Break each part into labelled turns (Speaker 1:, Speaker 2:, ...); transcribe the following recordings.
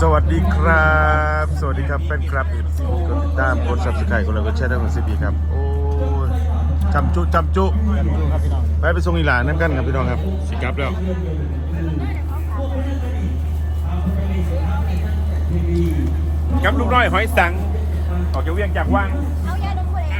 Speaker 1: วัสดีครับสวัสดีครับแฟนคลับเอฟซีกดติดตามกดซับสไครต์กดไลค์กดแชร์ทั้งหมดสิบีครับโอ้จำจุไปส่งอีหลานนั่นกันครับพี่น้องครับสิครับแล้วกับลูกน้อยหอยสังออกจากเวียงจากว่าง
Speaker 2: เอายาดมเลย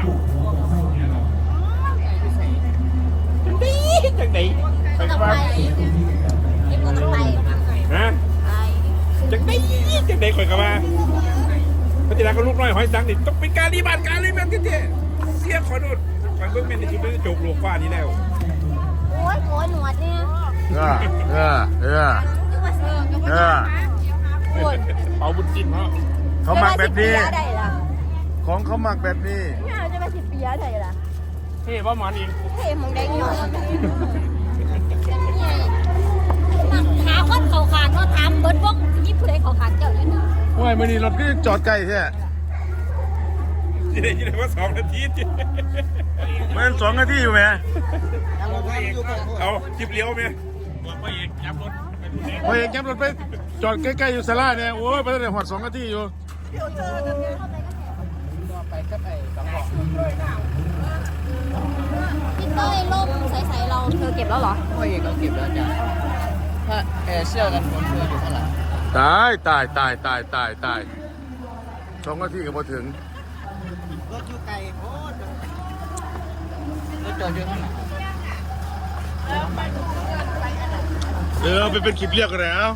Speaker 1: จังไหน
Speaker 2: ก็ต้องไปเก็บก็ต้องไป
Speaker 1: ฮะจังไหนข่อยกลับมาพระเจ้าก็ลูกน้อยหอยสังนี่ต้องเป็นการรีบานเจ๊เสียขอโทษข่อยเบิ่งแม่นในชีวิตโจกโลกฟ้านี้แล้ว
Speaker 2: โอ้ยโกนหนวดเนี่ย
Speaker 1: เป่าบุญจินเขาหมักแบบนี้ของเขาหมักแบบนี้
Speaker 2: เนี่ยจะไปสิบปีอะไรล่ะ
Speaker 1: เท่ป่ะหมอนอีก
Speaker 2: เท่มึงได้เนาะถามคนเขาขาดเนาะถามเบิร์ดวงยี่ผู้ใดเขาขาดเจ้าอยู่นี่
Speaker 1: โอ้ยมื่อนี้รถก็จอดไกลแท้ยี่ได้ว่า2 นาทีมัน2 นาทีอยู่ไหมเอาจิบเลี้ยวไหมพ่อเอกยับรถไปจอดใกล้ๆอยู่ศาลาเนี่ยโอ้ยไปตั้งแต่หอด2 นาทีอยู่
Speaker 2: พี่เต้ยล่มใสๆเราเธอเก็บแล้วเหรอ
Speaker 3: พ่อเอกเราเก็บแล้วจ้ะถ้าเสื้อกันฝนเสื้ออยู่ข้างหลัง
Speaker 1: ตาย2 นาทีก็พอถึง
Speaker 3: รถอยู่ไกลโอ้รถจอดอยู่ข้างหลัง
Speaker 1: ไปเป็นคลิปเรียกกันแล้ว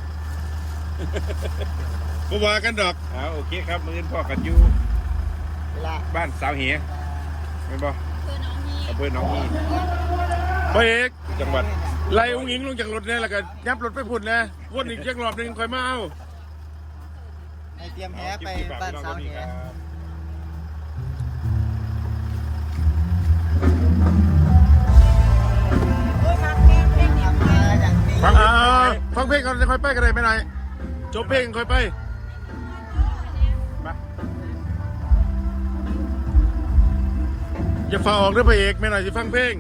Speaker 1: ก็ว่ากันดอกโอเคครับมื้อนี้พ่อกันอยู่บ้านสาวเหียไม่บอกอำเภอหนองฮีพ่อเอกจังหวัดไล่อุ้งอิงลงจากรถเนี่ยแล้วก็ยับรถไปพุ่นนะวนอีกจักรอบหนึ่งค่อยมาเอา
Speaker 3: เตรียมแหไปบ้านสาวเหีย
Speaker 1: ฟังเพลงก่อนจะค่อยไปกันเลยไม่ไหนจบเพลงค่อยไปจะฝ่าออกด้วยพระเอกไม่หน่อยจะฟังเพลง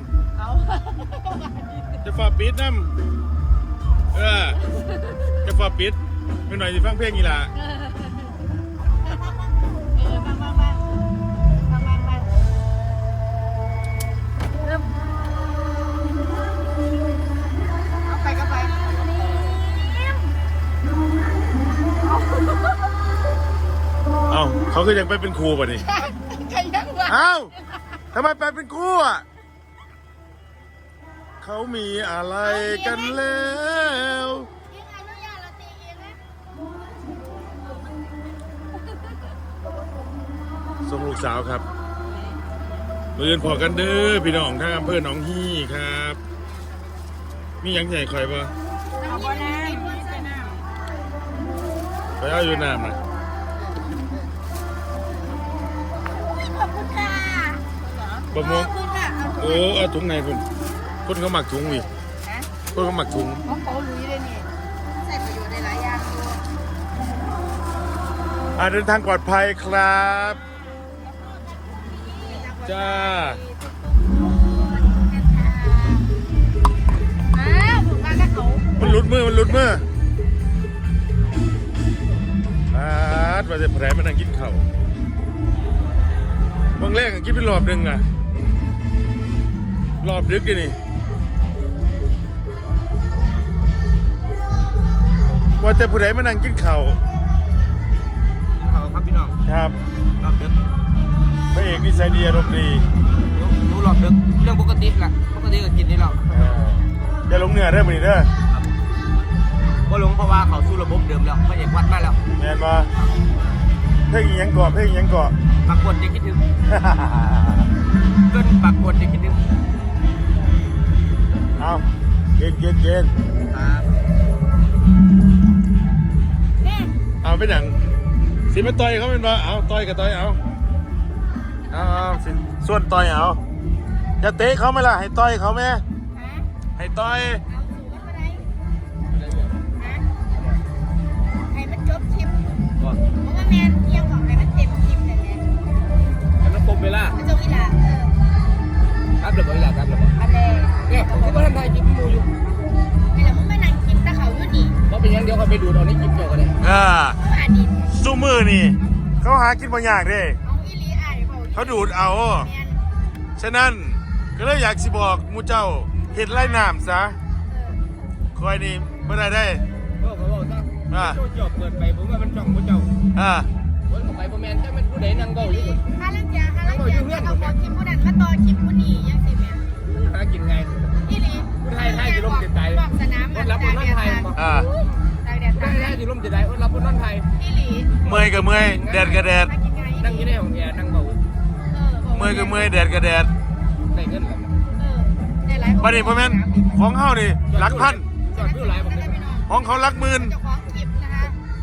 Speaker 1: จะฝ่าปิดน้ำจะฝ่าปิดไม่หน่อยจะฟังเพลงอีหล่ะเขาคือยังไปเป็นครูป่ะนี่เอ้าทำไมไปเป็นครูอ่ะเขามีอะไรกันแล้วส่งลูกสาวครับมือพอกันเด้อพี่น้องทางอำเภอหนองฮี่ครับมียังใหญ่คอยป่ะไปเอาอยู่น้ำนะบะม่วงโอ้เอาถุงไหนคนเขาหมักถุงวิคนเขาหมักถุง
Speaker 2: เขาลุยเลยนี่ใส่ประโยชน์ได้หลายอย่าง
Speaker 1: เดินทางปลอดภัยครับจ้ามันหลุดมือว่าจะแผลมันนั่งกินเข่าบางแรกกินเป็นรอบหนึ่งอะรอบดึกกันนี่ว่าจะผู้ใดมานั่งกินเข่า
Speaker 3: ครับพี่น้อง
Speaker 1: ครับ
Speaker 3: รอบดึก
Speaker 1: พระเอกนิสัยดีอารมณ์ดี
Speaker 3: รู้รอบดึกเรื่องปกติก็กินนี่เรา
Speaker 1: อย่าลงเหนือเด้อมือนี้เด้อ
Speaker 3: ก็ลงเพราะว่าเขาสู้ระบบเดิมแล้วพระเอกวัดมาแล้ว
Speaker 1: แม่นบ่เพลงยังเกาะ
Speaker 3: ปากกดจะคิดถึงก็ปากกดจะคิดถึง
Speaker 1: เอาเกณฑ์เอาไปหนังสิมาต่อยเขาเป็นบ่เอาต่อยกับต่อยเอาสิส่วนต่อยเอาจะเตะเขาไหมล่ะให้ต่อยเขาไหมให้ต่อย
Speaker 2: ให้มันจบคลิปเพราะว่าแมนเที่ยวบอกให้มันเต็มคลิปเลย
Speaker 3: แล้วมันคมเวลา
Speaker 2: มันจะอีหล่ะ
Speaker 3: ครับเดี๋ยวบอกอีหล่ะครับเดี๋ยวบอกเนี่ยผมคิดว่าท่านไทยกินมูอยู่
Speaker 2: ไม่แล้วมึงไม่นั่งกินตะเขาอยู่นี่
Speaker 3: เพราะเป็นอย่างเดียวเขาไปดูตอนนี้กินเกี่ยวกันเลย
Speaker 2: หาดิน
Speaker 1: สู้มือนี่เขาหากินบางอย่างเด้
Speaker 2: เอาอีหลีอ้ายเว้า
Speaker 1: เขาดูดเอา
Speaker 2: แม่น
Speaker 1: ฉะนั้นก็เลยอยากสิบอกหมูเจ้าเห็ดไล่น้ำซะคอยนี่เมื่อไรได้
Speaker 3: บอกซะโจ้จบเปิดไปผมว่ามันจ้องพระเจ้า
Speaker 1: อ่า
Speaker 3: คนเข้าไปบ่แม่นจักมันผู้ใดนั่งเว้าอยู่
Speaker 2: ถ้าลังเกียจเอาพอคลิปผู้นั้นมาต่อคลิปผู้นี้ยังสิแม่
Speaker 3: หากินไง
Speaker 2: อีหลี
Speaker 3: ผู้ไทยไทยสิล่มจิตใจ
Speaker 2: บอกสนาม
Speaker 3: อดรับอดนอนไทยบ่
Speaker 1: อ่า
Speaker 2: ตากแดด
Speaker 3: ผู้
Speaker 2: ตาก
Speaker 3: ไทย
Speaker 2: แด
Speaker 3: ไทย
Speaker 2: ด
Speaker 3: สิล่มจิตใจอดรับอดนอนไทย
Speaker 2: อีหลี
Speaker 1: เมื่อยก็เมื่อยแดดก็แดด
Speaker 2: มากินไง
Speaker 3: นั่งอยู่ในห้องแอร์นั่งเว้า
Speaker 1: เมื่อยก็เมื่อยแดดก็แดด
Speaker 3: ได้เงินแล้ว
Speaker 2: ได้หลาย
Speaker 1: บัดนี้พ่อแม่นของเฮานี่หลักพัน
Speaker 3: จอดวิวหลายบ่ได้
Speaker 1: ของเขาหลักหมื่น
Speaker 2: เจ้าของคลิปนะคะ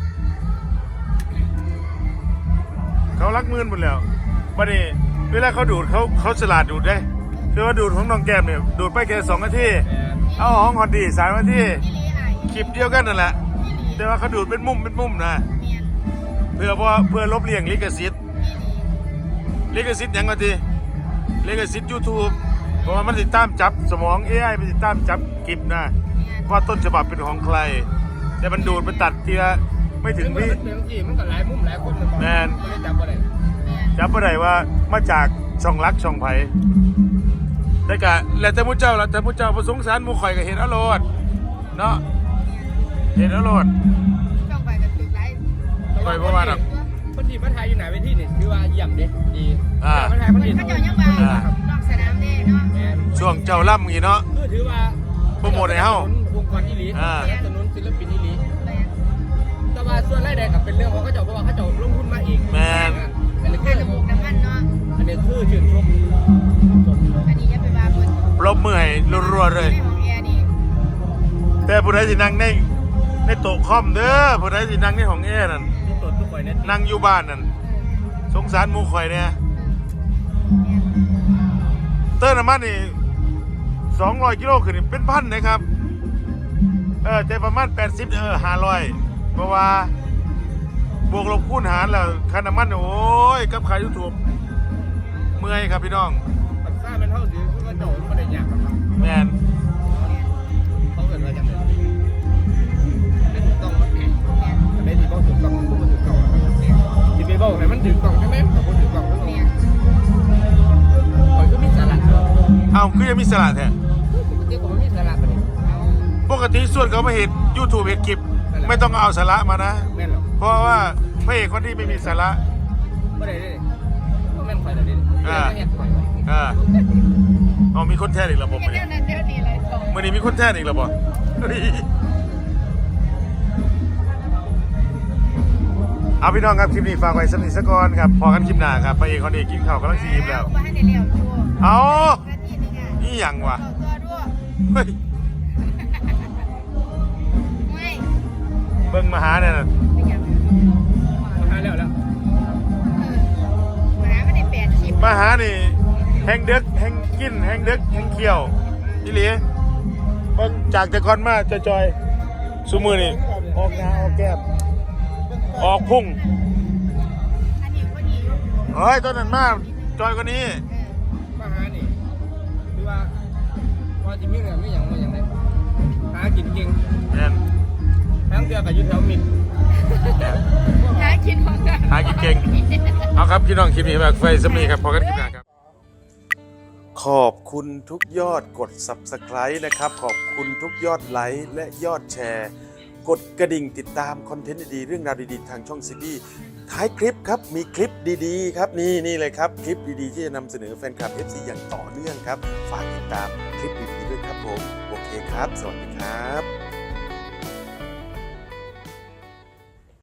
Speaker 1: เขาหลักหมื่นหมดแล้วบัดนี้เวลาเขาดูดเขาฉลาดดูดได้คือว่าดูดของน้องแก้มเนี่ยดูดไปแค่2 นาทีเอาของฮอนดี้3 นาที
Speaker 2: อีหลีอ้าย
Speaker 1: คลิปเดียวกันนั่นแหละ
Speaker 2: อีหลี
Speaker 1: แต่ว่าเขาดูดเป็นมุมนะ
Speaker 2: เมียน
Speaker 1: เพื่อลบเลี่ยงลิขสิทธิ์
Speaker 2: อีหลี
Speaker 1: ลิขสิทธิ์หยังก็ทีลิขสิทธิ์ YouTube เพราะว่ามันติดตามจับสมอง AI มันติดตามจับคลิปนะ
Speaker 2: เมียน
Speaker 1: ว่าต้นฉบับเป็นของใคร แต่มันดูดมันตัดทีละไม่ถึงวิ
Speaker 3: มันเป็นที่มันก็หลายมุมหลายคนมันบ่
Speaker 1: แม่น
Speaker 3: บ่ได้จับบ่ได้
Speaker 2: เมียน
Speaker 1: จับบ่ได้ว่ามาจากช่องรักช่องไผแต่กะแล้วแต่ผู้เจ้าบ่สงสารหมู่ข่อยก็เห็นเอาโลดเนาะเห็นเอาโลด
Speaker 2: ช่องไปกับตึกไร
Speaker 1: ไปบ่ว่าดอก
Speaker 3: คนที่มาถ่ายอยู่หน้าเวทีนี่ถือว่าเยี่ยมเด้ดี
Speaker 1: อ่า
Speaker 3: มาถ่ายคน
Speaker 2: มัน
Speaker 3: อื่น
Speaker 2: เขาเจ้ายังว่านอกสนามเด้เนาะ
Speaker 3: แม่น
Speaker 1: ช่วงเจ้าล่ำงี้เนาะ
Speaker 3: คือถือว่า
Speaker 1: โปรโมทให้เฮา
Speaker 3: วงกรอีหลี
Speaker 1: อ่า
Speaker 3: สนับสนุนศิลปินอีหลีแต่ว่าส่วนรายได้ก็เป็นเรื่องของเขาเจ้าเพราะว่าเขาเจ้าลงทุนมาเอง
Speaker 1: แม่น
Speaker 3: อันนี้คื
Speaker 2: ค่า
Speaker 3: อ
Speaker 2: ระบบน้ำมันเนาะ
Speaker 3: อันนี้คือชื่นชม
Speaker 2: อันนี้อย่าไปว่าเพิ่น
Speaker 1: ปรบมือให้รัวๆเลย
Speaker 2: ในของแอร์นี่
Speaker 1: แต่ผู้ใดสินั่งในโต๊ะคอมเด้อผู้ใดสินั่งในห้องแอร์นั่น
Speaker 3: ทุกตนทุกคนเนี่ย
Speaker 1: นั่งอยู่บ้านนั่นสงสารหมู่ข่อยเนี่ยเติมน้ำมันนี่200 กิโลขึ้นนี่เป็นพันนะครับแต่ประมาณ80 500เพราะว่าบวกลบคูณหารแล้วค่าน้ำมันโอ้ยกับขายยูทูบเมื่อยครับพี่น้อง
Speaker 3: ปัญหามันเท่าสิคือว่าเจ้าไม่ได้ยากหรอกครับ
Speaker 1: แมน
Speaker 3: เขาเกิดมาจากไหนไม่ถูกต้องมันไม่ถูกต้องถูกต้องมันถูกต้องที่ไปบอกให้มันถูกต้องใช่ไหมแต่คนถูกต้องก็ต้องคอยก็มีสาระ
Speaker 1: เอ้าคือยังมีสละแท้
Speaker 3: ปกติผมมีสาระปะเนี่ย
Speaker 1: ปกติส่วนเขามาเห็น YouTube เห็นคลิปไม่ต้องเอาสาระมานะ
Speaker 3: แม่นหรอ
Speaker 1: เพราะว่าพระเอกคนที่ไม่มีสาระ
Speaker 3: ไม่ได้เลยแม่นคอยแต่เด่นแม่นคอย
Speaker 1: เอามีคนแท้อีกแล้วผม
Speaker 2: เดี๋ยวนั้นเดี๋ยวนี้อะไรสอง
Speaker 1: มื่อนี้มีคนแท้อีกแล้วบ่เอาพี่น้องครับคลิปนี้ฝากไว้สักนิดสักก่อนครับพอกันคลิปหน้าครับพระเอกคนนี้กินข้าวกำลังซีมแล้ว
Speaker 2: ว่าให้ได้เลี้ยวชัว
Speaker 1: เอา
Speaker 2: นาทีนึงอ่ะ
Speaker 1: นี่ยังวะ
Speaker 2: เอาตัวด้วย
Speaker 1: เฮ้ย
Speaker 2: ไม่
Speaker 1: เบิ่งมาหาเนี่ยนะ
Speaker 2: ไม่อยาก
Speaker 3: หาแล้ว
Speaker 2: มาหาไม่ได้8 คลิป
Speaker 1: มาหานี่แห้งเด็กแห้งกินแห้งเด็กแห้งเคี้ยวนี่หลีเบิ่งจากแต่ก่อนมาจอยๆซุมือนี่ออกหน้าออกแก้มออกพุ่ง
Speaker 2: อันนี้ก็ดีอยู่
Speaker 1: เฮ้ยตอนนั้นมาจอยกว่านี้
Speaker 3: มาหานี่คือว่าพอจิมีเรื่องไม่อย่างว่าอย่างไรหากินเก่ง
Speaker 1: แม่น
Speaker 3: ทั้งเดือกับยุทธแถวมิน
Speaker 2: หากินของกัน
Speaker 1: หากินเก่ง เอาครับพี่น้องคลิปนี้แบบไฟสมีครับพอกันคลิปหน้าครับ ขอบคุณทุกยอดกด Subscribe นะครับ ขอบคุณทุกยอดไลค์และยอดแชร์ กดกระดิ่งติดตามคอนเทนต์ดีๆเรื่องราวดีๆทางช่องซีบีท้ายคลิปครับมีคลิปดีๆครับนี่เลยครับคลิปดีๆที่จะนำเสนอแฟนคลับ FC อย่างต่อเนื่องครับฝากติดตามคลิปดีๆด้วยครับผมโอเคครับสวัสดีครับ